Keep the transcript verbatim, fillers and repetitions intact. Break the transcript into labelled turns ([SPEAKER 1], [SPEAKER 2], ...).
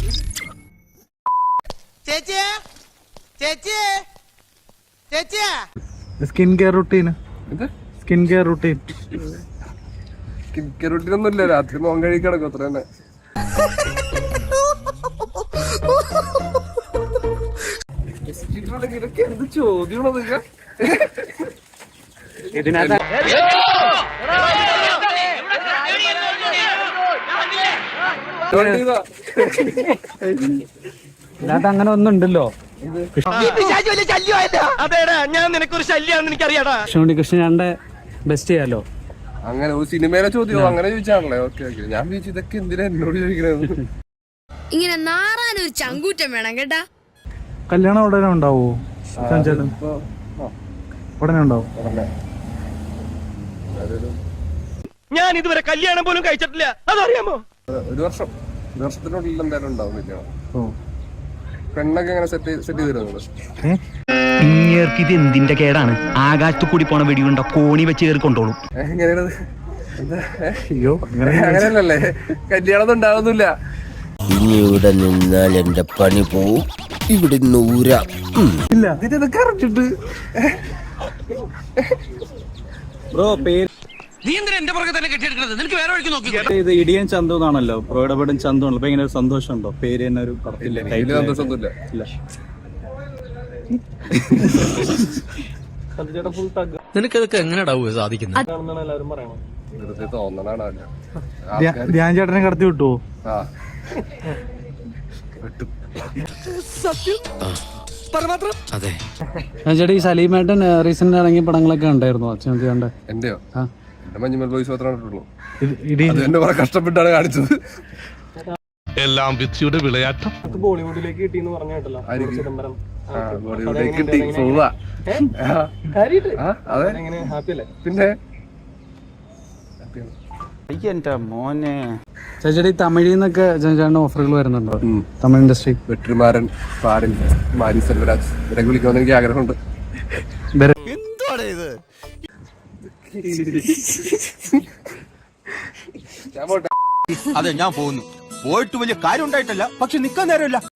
[SPEAKER 1] ചേച്ചിയെ ചേച്ചിയെ ചേച്ചിയെ
[SPEAKER 2] skin care routine skin care routine
[SPEAKER 3] skin care routine ഒന്നുമില്ല. രാത്രി മോൻ കഴി കിടക്കും അത്ര തന്നെ. ഇതൊക്കെ എന്ത് ചോദ്യമാണോ നിങ്ങ?
[SPEAKER 2] ഇതിനകത്ത് ഇതിനകത്ത് അങ്ങനെ ഒന്നും ഉണ്ടല്ലോ.
[SPEAKER 1] അതേടാ ഞാൻ നിനക്കൊരു ശല്യാന്ന് എനിക്കറിയാടാ.
[SPEAKER 2] കൃഷ്ണൻകുട്ടി കൃഷ്ണന്റെ ബെസ്റ്റ് ചെയ്യാലോ.
[SPEAKER 3] അങ്ങനെ ഒരു സിനിമയിലെ ചോദ്യമോ അങ്ങനെ ചോദിച്ചാണല്ലേ? Okay okay. ഞാൻ ചോദിച്ചു ഇതൊക്കെ എന്തിനാ എന്നോട് ചോദിക്കണത്?
[SPEAKER 4] ഇങ്ങനെ നാറാനൊരു ചങ്കൂറ്റം വേണം കേട്ടാ.
[SPEAKER 2] കല്യാണം ഉടനെ ഉണ്ടാവോ? ഉടനെ ഉണ്ടാവും.
[SPEAKER 1] ഞാൻ ഇതുവരെ കല്യാണം പോലും കഴിച്ചിട്ടില്ല, അതറിയാമോ?
[SPEAKER 3] ഒരു വർഷം ഒരു വർഷത്തിനുള്ളിൽ എന്തായാലും ഉണ്ടാവും കല്യാണം. പെണ്ണൊക്കെ എങ്ങനെ സെറ്റ് സെറ്റ് ചെയ്ത് തരുന്നത്?
[SPEAKER 5] ഇങ്ങേർക്ക് ഇത് എന്തിന്റെ കേടാണ്? ആകാശത്തു കൂടി പോണ വെടിയുണ്ട കോണി വെച്ച് കയറി കൊണ്ടോളും.
[SPEAKER 3] എങ്ങനെയാണത്? അയ്യോ അങ്ങനെയല്ലല്ലേ, കല്യാണം ഒന്നും ഉണ്ടാവുന്നില്ല.
[SPEAKER 6] ഇനി ഇവിടെ നിന്നാൽ എന്റെ പണി പോവും. ഇവിടെ നൂരാ
[SPEAKER 3] ഇല്ല ഇതൊക്കെ അറിഞ്ഞിട്ട്
[SPEAKER 2] ബ്രോ പേര്
[SPEAKER 1] നീ എന്തിനാ എന്റെ പുറകെ തന്നെ കെട്ടിയെടുക്കുന്നത്? നിനക്ക് വേറെ വഴിക്ക് നോക്കി.
[SPEAKER 2] ഇത് ഇടിയൻ ചന്തു എന്നാണല്ലോ, പ്രോയിടപെടും ചന്തു ആണല്ലോ. അപ്പൊ ഇങ്ങനെ ഒരു സന്തോഷം ഉണ്ടോ? പേര് തന്നെ ഒരു
[SPEAKER 3] വലിയ സന്തോഷമൊന്നുമില്ല.
[SPEAKER 2] ഇല്ല.
[SPEAKER 6] നിനക്കതൊക്കെ എങ്ങനെയാ സാധിക്കുന്നത്?
[SPEAKER 3] വെറുതെ തോന്നണാണ്.
[SPEAKER 2] ധ്യാൻ ചേട്ടനെ കടത്തി വിട്ടുവോ?
[SPEAKER 3] ആ വെട്ടും.
[SPEAKER 6] അതെ.
[SPEAKER 2] ചേട്ടാ ഈ സലീമേട്ടൻ റീസെന്റ് ഇറങ്ങിയ പടങ്ങളൊക്കെ ഉണ്ടായിരുന്നു അച്ഛൻ കണ്ട?
[SPEAKER 3] എന്റെയോ? എന്റെ മഞ്ഞുമൽ ബോയ്സ് മാത്രമേ കണ്ടിട്ടുള്ളൂ.
[SPEAKER 2] ഇടി
[SPEAKER 3] അത് എന്നെ കുറെ കഷ്ടപ്പെട്ടാണ് കാണിച്ചത്.
[SPEAKER 7] എല്ലാം വിധിയുടെ വിളയാട്ടം.
[SPEAKER 2] ബോളിവുഡിലേക്ക് കിട്ടിയെന്ന് പറഞ്ഞു കേട്ടല്ലോ.
[SPEAKER 3] ബോളിവുഡിലേക്ക് കിട്ടി. സുഖാ. അതെ പിന്നെ
[SPEAKER 2] എന്റെ മോനെ. ചേച്ചി ഈ തമിഴിൽ നിന്നൊക്കെ ചേട്ടൻ ഓഫറുകൾ വരുന്നുണ്ടോ? തമിഴ് ഇൻഡസ്ട്രി
[SPEAKER 3] വെട്രിമാരൻ, പാരൻ, മാരി സെൽവരാജ് ഇവരൊക്കെ വിളിക്കുമെന്ന് എനിക്ക് ആഗ്രഹമുണ്ട്.
[SPEAKER 6] അതെ, ഞാൻ പോകുന്നു. പോയിട്ട് വലിയ കാര്യം ഉണ്ടായിട്ടല്ല, പക്ഷെ നിക്കാൻ നേരമില്ല.